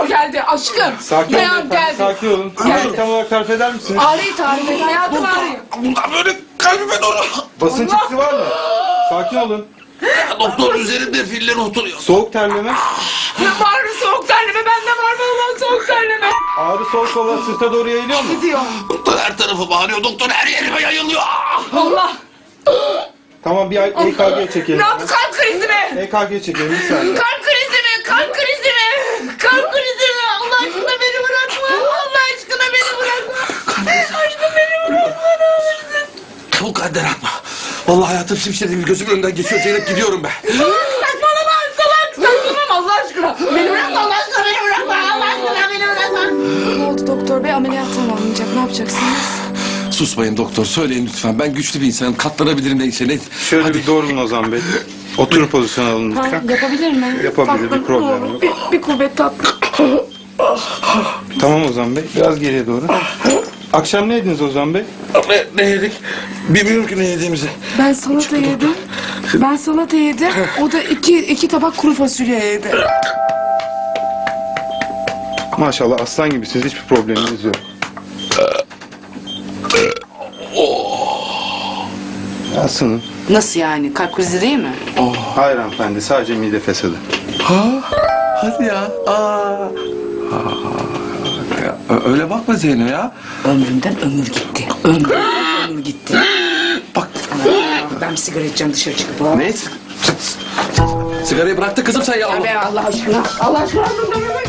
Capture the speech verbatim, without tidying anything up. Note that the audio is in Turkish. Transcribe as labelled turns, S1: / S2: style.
S1: doktor geldi aşkım.
S2: Sakin olun
S1: Dayan
S2: efendim,
S1: geldi.
S2: sakin olun. Ağrıyı tam olarak tarif eder misiniz?
S1: Ağrıyı tarif et hayatım ağrıyor.
S3: Bundan böyle kalbime doğru.
S2: Basınç
S1: Allah!
S2: hissi var mı? Sakin olun.
S3: Doktor üzerinde filler oturuyor.
S2: Soğuk terleme.
S1: Var mı soğuk terleme? Bende var mı Allah soğuk terleme?
S2: Ağrı sol kola sırta doğru yayılıyor mu?
S1: Gidiyor.
S3: Doktor her tarafı bağırıyor. Doktor her yerime yayılıyor.
S1: Allah.
S2: Tamam bir E K G çekelim.
S1: Ne yaptı kalp krizi mi?
S2: E K G çekelim bir saniye.
S1: Kalp krizi mi? Kalp krizi mi? Kalp krizi mi? Allah aşkına beni bırakma. Allah aşkına beni bırakma. Aşkım beni bırakma ne olursun.
S3: Çabuk Kader atma. Vallahi hayatım şimşirdi bir gözümün önünden geçiyor. Zeynep gidiyorum ben.
S1: Saçmalama salak saçmalama Allah aşkına. Beni bırakma Allah aşkına beni bırakma. Allah aşkına beni bırakma.
S4: Ne oldu doktor bey? Ameliyat tamamlanacak. Ne yapacaksınız?
S3: Susmayın doktor. Söyleyin lütfen. Ben güçlü bir insanım. Katlanabilirim neyse. Ne?
S2: Şöyle
S3: Hadi.
S2: bir doğrulun Ozan Bey. Oturun pozisyon alın
S4: Ha,
S2: lütfen.
S4: yapabilir mi?
S2: Yapabilir, bir problem yok.
S1: Bir, bir kuvvet tatlı.
S2: Tamam Ozan Bey. Biraz geriye doğru. Akşam ne yediniz Ozan Bey?
S3: Ne, ne yedik? Bilmiyorum ki ne yediğimizi.
S4: Ben salata yedim. Ben salata yedim. O da iki, iki tabak kuru fasulye yedi.
S2: Maşallah aslan gibisiniz. Hiçbir probleminiz yok. Aslanım.
S4: Nasıl yani? Kalp krizi değil mi?
S2: Hayır hanımefendi. Sadece mide fesadı.
S3: Ha? Hadi ya. Aa. Aa. Ya, ö- öyle bakma Zeyno ya.
S4: Ömrümden ömür gitti. Ömrümden ömür gitti.
S3: Bak.
S4: Ben bir sigara içeceğim dışarı çıkıp.
S3: Ne? Sigarayı bıraktı kızım sen ya.
S1: Be Allah aşkına. Allah aşkına.